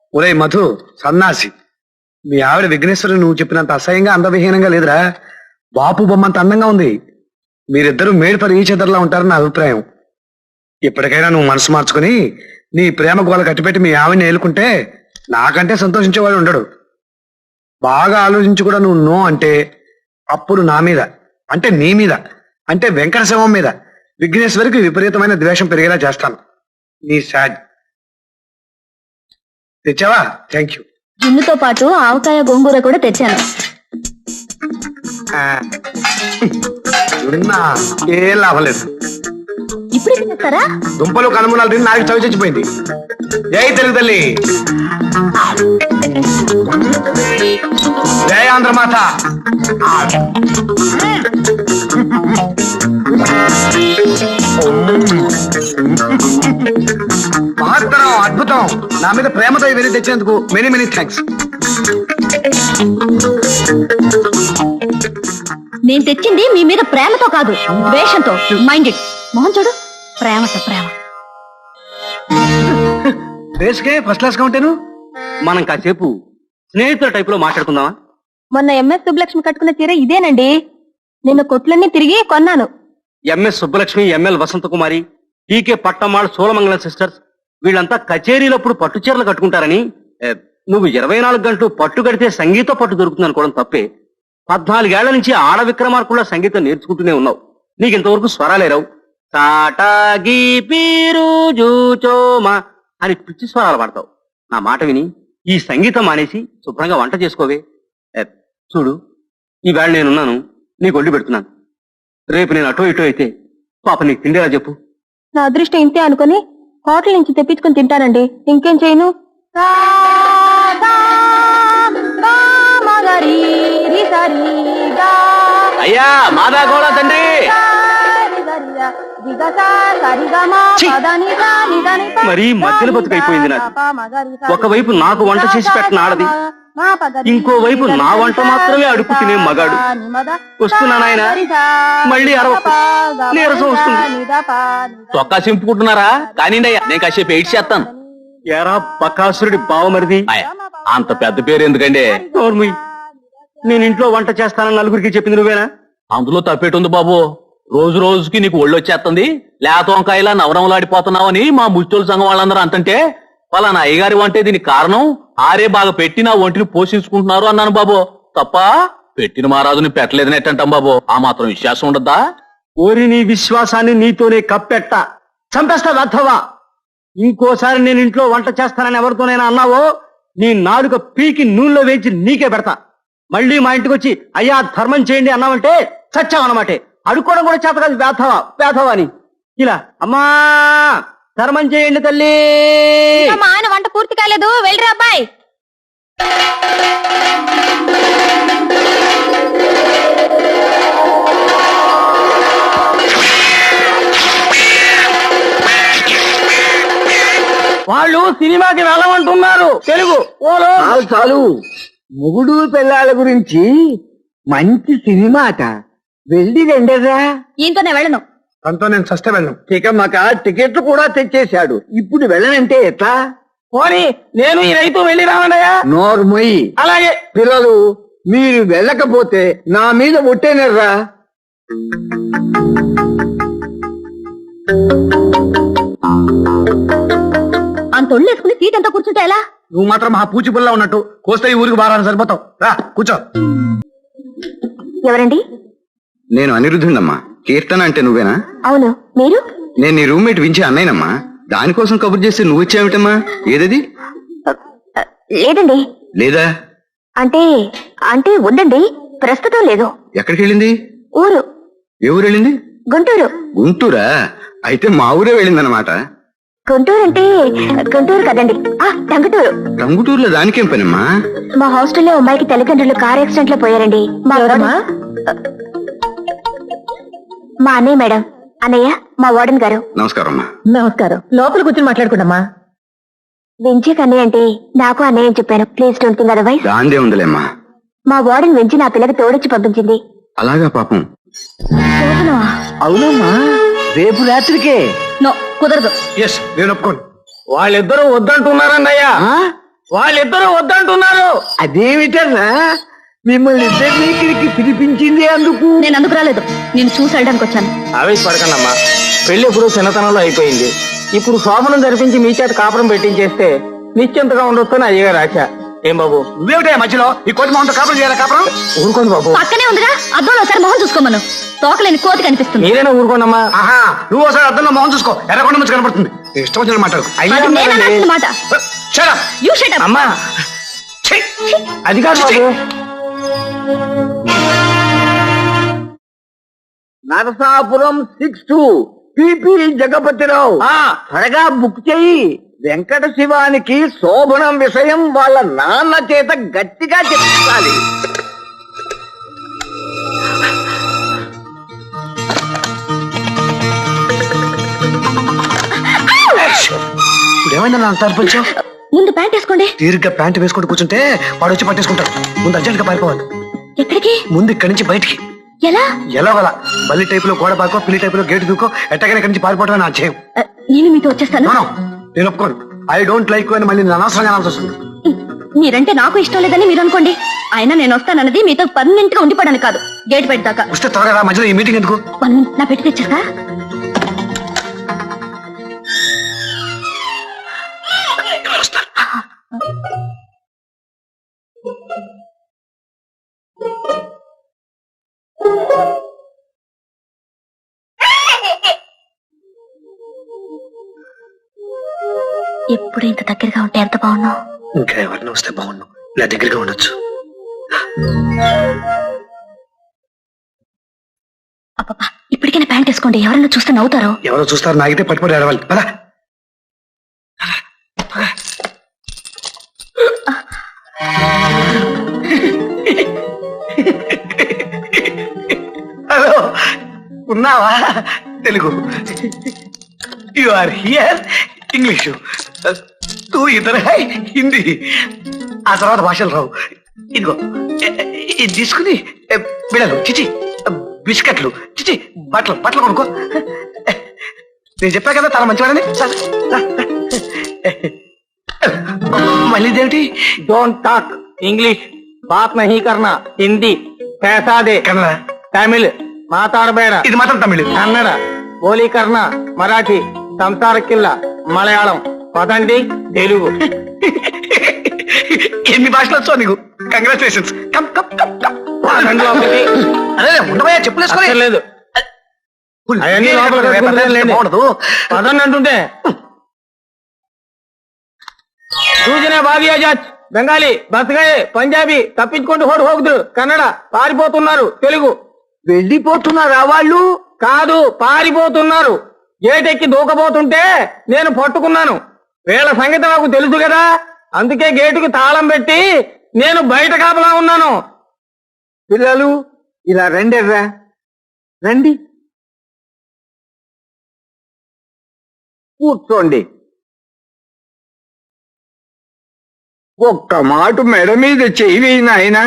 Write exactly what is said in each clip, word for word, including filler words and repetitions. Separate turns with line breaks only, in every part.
ఒరే మధు సన్నాసి, మీ ఆవిడ విఘ్నేశ్వరి నువ్వు చెప్పినంత అసహ్యంగా అందవిహీనంగా లేదురా. బాపు బొమ్మంత అందంగా ఉంది. మీరిద్దరూ మేడ్ ఫర్ ఈచ్ అదర్లా ఉంటారని నా అభిప్రాయం. ఇప్పటికైనా నువ్వు మనసు మార్చుకుని నీ ప్రేమ గోల కట్టిపెట్టి మీ ఆవిడని ఏలుకుంటే నాకంటే సంతోషించేవాడు ఉండడు. బాగా ఆలోచించి కూడా నువ్వు నో అంటే అప్పుడు నా మీద, అంటే నీ మీద, అంటే వెంకట శవం మీద విఘ్నేశ్వరికి విపరీతమైన ద్వేషం పెరిగేలా చేస్తాను. నీ సాడ్. తెచ్చావా? Thank you.
జున్నుతో పాటు ఆవకాయ గోంగూర కూడా తెచ్చాను.
ఏం లాభం లేదు.
ఇప్పుడు తినేస్తారా?
దుంపలు కనుమూలాలు తిని నాకు చవి చచ్చిపోయింది. జై తెలుగు తల్లి, జై ఆంధ్రమాత. మహత్తరం, అద్భుతం. నా మీద ప్రేమతో ఇవన్నీ తెచ్చినందుకు మెనీ మెనీ థ్యాంక్స్.
నేను తెచ్చింది మీ మీద ప్రేమతో కాదు, ద్వేషంతో. Mind it. మోహన్ చూడు, ప్రేమతో ప్రేమ.
బేస్కే ఫస్ట్ క్లాస్ గా ఉంటాను.
మనం కాసేపు స్నేహితుల టైప్ లో మాట్లాడుకుందామా?
మొన్న ఎంఎస్ సుబ్బలక్ష్మి కట్టుకున్న చీర ఇదేనండి. నిన్న కొట్లన్నీ తిరిగి కొన్నాను.
MS Subbulakshmi, ML Vasantha Kumari, TK Pattammal, Soolamangalam sisters వీళ్ళంతా కచేరీలప్పుడు పట్టు చీరలు కట్టుకుంటారని ఏ, నువ్వు ఇరవై నాలుగు గంటలు పట్టు కడితే సంగీత పట్టు దొరుకుతుంది అనుకోవడం తప్పే. పద్నాలుగేళ్ల నుంచి ఆడ విక్రమార్కుల సంగీతం నేర్చుకుంటూనే ఉన్నావు. నీకు ఇంతవరకు స్వరాలేరావు. టాటాగి పీరు జూచోమా అని పిచ్చి స్వరాలు పాడతావు. నా మాట విని ఈ సంగీతం మానేసి శుభ్రంగా వంట చేసుకోవే. ఏ, చూడు, ఈవేళ నేనున్నాను, నీకు వండి పెడుతున్నాను. రేపు నేను అటో ఇటో అయితే పాప నీకు తిండేలా చెప్పు.
నా అదృష్టం ఇంతే అనుకుని హోటల్ నుంచి తెప్పించుకుని తింటానండి. ఇంకేం చేయను.
అయ్యా మాదా గోళ తండ్రి. మరీ మధ్యలో బతుకైపోయింది నాకు. ఒకవైపు నాకు వంట చేసి పెట్టిన ఆడది, ఇంకోవైపు నా వంట మాత్రమే అడుపు తినే మగాడు. వస్తున్నా నాయన, మళ్ళీ అరవకు, నీరసం వస్తుంది.
చొక్కా చింపుకుంటున్నారా? కానీ నేను కాసేపు ఎయిట్ చేస్తాను.
ఎరా బకాసురుడి బావమరిది,
అంత పెద్ద పేరు ఎందుకండి?
నోర్ముయ్. నేను ఇంట్లో వంట చేస్తానని నలుగురికి చెప్పింది నువ్వేనా?
అందులో తప్పేటుంది బాబు. రోజు రోజుకి నీకు ఒళ్ళు వచ్చేస్తుంది. లేత వంకాయలా నవరంలాడిపోతున్నావని మా ముచ్చోళ్ళ సంఘం వాళ్ళందరూ అంతంటే, పలానా అయ్యగారి వంటే దీనికి కారణం, ఆరే బాగా పెట్టి నా ఒంటిని పోషించుకుంటున్నారు అన్నాను బాబు. తప్ప పెట్టిన మహారాజుని పెట్టలేదని ఎట్టంటాం బాబు. ఆ మాత్రం విశ్వాసం ఉండద్దా?
ఓరి నీ విశ్వాసాన్ని నీతోనే కప్పెట్ట చంపేస్తా వెధవా. ఇంకోసారి నేను ఇంట్లో వంట చేస్తానని ఎవరితోనైనా అన్నావో నీ నాలుక పీకి నూనెలో వేయించి నీకే పెడతా. మళ్ళీ మా ఇంటికి వచ్చి అయ్యా ధర్మం చేయండి అన్నావంటే చచ్చావన్నమాటే. అడుక్కోవడం కూడా చేత కాదు, వేధవా వేధవా అని. ఇలా అమ్మా ధర్మం చేయండి తల్లి.
మా ఆయన వంట పూర్తి కాలేదు, వెళ్ళరా అబ్బాయి.
వాళ్ళు సినిమాకి వెళ్ళమంటున్నారు. తెలుగు ఓలో
చాలు. మొగుడు పిల్లల గురించి మంచి సినిమా అట, వెళ్ళి రెండరా.
ఈయనతోనే వెళ్ళను.
దాంతో నేను చస్తే వెళ్ళను.
ఇక మాకు టికెట్లు కూడా తెచ్చేశాడు. ఇప్పుడు వెళ్ళనంటే ఎట్లా?
పోనీ నేను ఈ రైతు వెళ్ళి రావన్నయ్యా.
నోర్మొయ్యి.
అలాగే.
పిల్లలు, మీరు వెళ్ళకపోతే నా మీద ఒట్టేనర్రా.
అంత ఒళ్ళు వేసుకుని సీట్ అంతా కూర్చుంటే ఎలా?
నువ్వు మాత్రం ఆ పూచి పుల్ల ఉన్నట్టు కోస్తే ఈ ఊరికి బారాన్ని సరిపోతావు. రా కూర్చో.
ఎవరండి?
నేను అనిరుద్ధుండమ్మా. కీర్తన అంటే నువ్వేనా?
అవును. మీరు?
నేను నీ రూమ్మేట్ వించి అన్నయ్యనమ్మా. దానికోసం కబుర్ చేస్తే నువ్వు ఇచ్చావిటమ్మా. ఏదది?
లేదండి.
లేదా?
అంటే అంటే ఉందండి, ప్రస్తుతం లేదు.
ఎక్కడికి వెళ్ళింది?
ఊరు.
ఏ ఊరు వెళ్ళింది?
గుంటూరు.
గుంటూరా? అయితే మా ఊరే వెళ్ళిందనమాట.
గుంటూరు అంటే గుంటూరు కదండి, ఆ టంగుటూరు.
టంగుటూరులో దానికేం పనమ్మా?
మా హాస్టల్లో అమ్మాయికి తల్లిదండ్రులు కార్ యాక్సిడెంట్ లో పోయారండి. మా మా అన్నయ్య మేడం. అన్నయ్య మా వార్డెన్ గారు.
నమస్కారం అమ్మా.
నమస్కారం. లోపల కూర్చొని మాట్లాడుకుంటామా? వెంచీకి అన్నయ్య అంటే నాకు అన్నయ్య అని చెప్పాను. Please don't think otherwise.
దాందే ఉందిలేమ్మా.
మా వార్డెన్ వెంచి నా పిల్లకి తోడొచ్చి పంపించింది.
అలాగా పాపం.
అవునమ్మా, రేపు రాత్రికే.
నో, కుదరదు.
ఎస్, నేను ఒప్పుకోను.
వాళ్ళిద్దరూ వద్దంటున్నారన్నయ్యా.
వాళ్ళిద్దరూ వద్దంటున్నారు. అదేమిటన్నా మిమ్మల్ని ఇద్దరిని ఇక్కడికి పిలిపించింది అందుకు?
నేను అందుకు రాలేదు, నేను చూసి వెళ్ళడానికి వచ్చాను.
ఆవేశపడకండమ్మా, పెళ్లి ఎప్పుడు చిన్నతనంలో అయిపోయింది. ఇప్పుడు శోభనం జరిపించి మీ చేత కాపురం పెట్టించేస్తే నిశ్చింతగా ఉండొచ్చని అయ్యగారు ఆశ. ఏం బాబు?
నువ్వేమిటే మధ్యలో ఈ కోటి మొహంతో కాపురం చేయాలి కాపురం?
ఊరుకోండి బాబు.
పక్కనే ఉందిగా, అద్దంలో ఒకసారి మొహం చూసుకోమను. తోకలేని కోతి కనిపిస్తుంది.
మీరైనా ఊరుకోండమ్మా.
ఆహా, నువ్వు ఒకసారి అద్దంలో మొహం చూసుకో, ఎర్రకొండ మంచి కనపడుతుంది. నీ ఇష్టం వచ్చిన మాట్లాడు.
అయ్యా
అది నేను అనాల్సిన మాట.
Shut up.
You shut up.
అమ్మా,
ఛీ!
అది కాదు బాబు. Narasapuram six two PP Jagapathi Rao. త్వరగా బుక్ చెయ్యి. వెంకట శివానికి శోభనం విషయం వాళ్ళ నాన్న చేత గట్టిగా చెప్తాలి.
ఇప్పుడు ఏమైందా అంత అర్పించావు?
ముందు ప్యాంట్ వేసుకోండి.
తీరిగ్గా ప్యాంట్ వేసుకుంటూ కూర్చుంటే వాడు వచ్చి పట్టేసుకుంటాడు. ముందు అర్జెంట్ గా పారిపోవాలి.
ఎక్కడికి?
ముందు ఇక్కడి నుంచి బయటికి.
ఎలా?
ఎలాగలా బల్లి టైప్ లో గోడ పాకో, పిల్లి టైప్ లో గేట్ దూకో, ఎట్టగానే ఇక్కడి నుంచి పారిపోవడం నా చేయం.
ఆ, నేను మీతో వచ్చేస్తాను.
నో, నో, నేను ఒప్పుకోను. ఐ డోంట్ లైక్ అని మళ్ళీ నేను అనవసరంగా అనాల్సి వస్తుంది.
మీరంటే నాకు ఇష్టం లేదని మీరు అనుకోండి. అయినా నేను వస్తానన్నది మీతో పర్మనెంట్ గా ఉండిపోవడానికి కాదు, గేట్ పెట్టాక.
వస్తే త్వరగా రా, మధ్యలో ఈ మీటింగ్ ఎందుకు?
వన్ మినిట్, నా పెట్టి తెచ్చేస్తా. ఎప్పుడు ఇంత దగ్గరగా ఉంటే ఎంత బాగున్నావు.
ఇంకా ఎవరిని వస్తే బాగుండు, ఇలా దగ్గరగా ఉండొచ్చు.
అబ్బా, ఇప్పటికైనా ప్యాంట్ వేసుకోండి, ఎవరైనా చూస్తే నవ్వుతారు.
ఎవరో చూస్తారు, నాగితే పట్టుబడి ఆడవాలి. పదా హలో, ఉన్నావా? Telugu. You are here. English తూ ఇతర హిందీ, ఆ తర్వాత భాషలు రావు. ఇదిగో ఇది తీసుకుని బిడలు చిచి బిస్కెట్లు చిచి బట్టలు బట్టలు కొనుక్కో. నేను చెప్పా కదా చాలా మంచివాడని. సరే, రా, రా. మళ్ళీ ఇదేమిటి?
డోంట్ టాక్ ఇంగ్లీష్, బాత్ నహీ కర్నా హిందీ, पैसा दे
కన్నడ.
తమిళ్ మాట్లాడబేడ,
ఇది మాత్రం తమిళ్.
కన్నడ బోలీ కర్నా, మరాఠీ సంసారకిల్ల, మలయాళం పదండి తెలుగు.
ఎన్ని భాషలు వచ్చో నీకు? Congratulations. Come come come come.
పదండి లోపలికి.
అదే ఉండబోయా, చెప్పులేసుకోలేదు.
అక్కర్లేదు. అవన్నీ లోపలికి కట్టుకుంటాను లేండి.
బాగుండదు.
పదండి అంటుంటే సూచనే బాబీ ఆజాద్, బెంగాలీ బస్గాయే, పంజాబీ తప్పించుకుంటూ హోడు హోగుదు, కన్నడ పారిపోతున్నారు, తెలుగు వెళ్ళిపోతున్నారా వాళ్ళు? కాదు, పారిపోతున్నారు. గేటెక్కి దూకపోతుంటే నేను పట్టుకున్నాను. వీళ్ళ సంగతి నాకు తెలుసు కదా, అందుకే గేటుకి తాళం పెట్టి నేను బయట కాపలా ఉన్నాను. పిల్లలు ఇలా రండిర్రా, రండి కూర్చోండి. ఒక్క మాట మెడ మీద చెయ్యి వేయి నాయనా.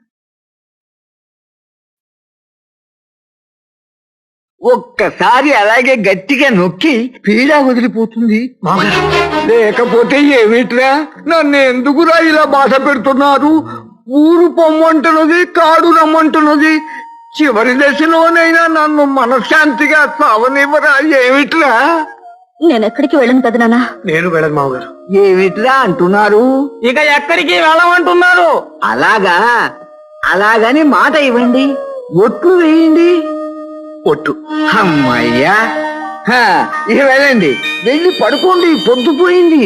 ఒక్కసారి అలాగే గట్టిగా నొక్కి పీడా వదిలిపోతుంది.
మామగారు,
లేకపోతే ఏమిట్రా, నన్ను ఎందుకురా ఇలా బాధ పెడుతున్నారు? ఊరు పొమ్మంటున్నది, కాడు రమ్మంటున్నది. చివరి దశలోనైనా నన్ను మనశ్శాంతిగా సావనివ్వరా? ఏమిట్రా?
నేను ఎక్కడికి వెళ్ళను కదా నాన్న.
నేను వెళ్ళను మామగారు.
ఏమిట్రా అంటున్నారు? ఇక ఎక్కడికి వెళ్ళమంటున్నారు? అలాగా, అలాగని మాట ఇవ్వండి, ఒట్లు వేయండి.
ఒట్టు.
అమ్మయ్యా, హా, ఇక వెళ్ళండి, వెళ్ళి పడుకోండి, పొద్దుపోయింది.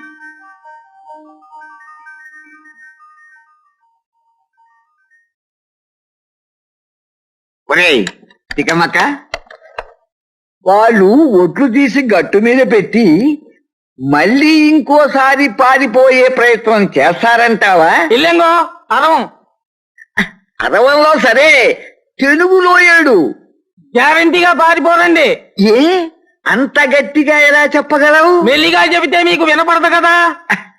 ఒరేయ్ తికమక్క, వాళ్ళు ఒట్లు తీసి గట్టు మీద పెట్టి మళ్ళీ ఇంకోసారి పారిపోయే ప్రయత్నం చేస్తారంటావా? ఇల్లెంగో అరవం. అరవంలో సరే, తెలుగులో ఏడు గ్యారంటీగా పారిపోరండి. ఏ అంత గట్టిగా ఎలా చెప్పగలవు? మెల్లిగా చెబితే మీకు వినపడదు కదా.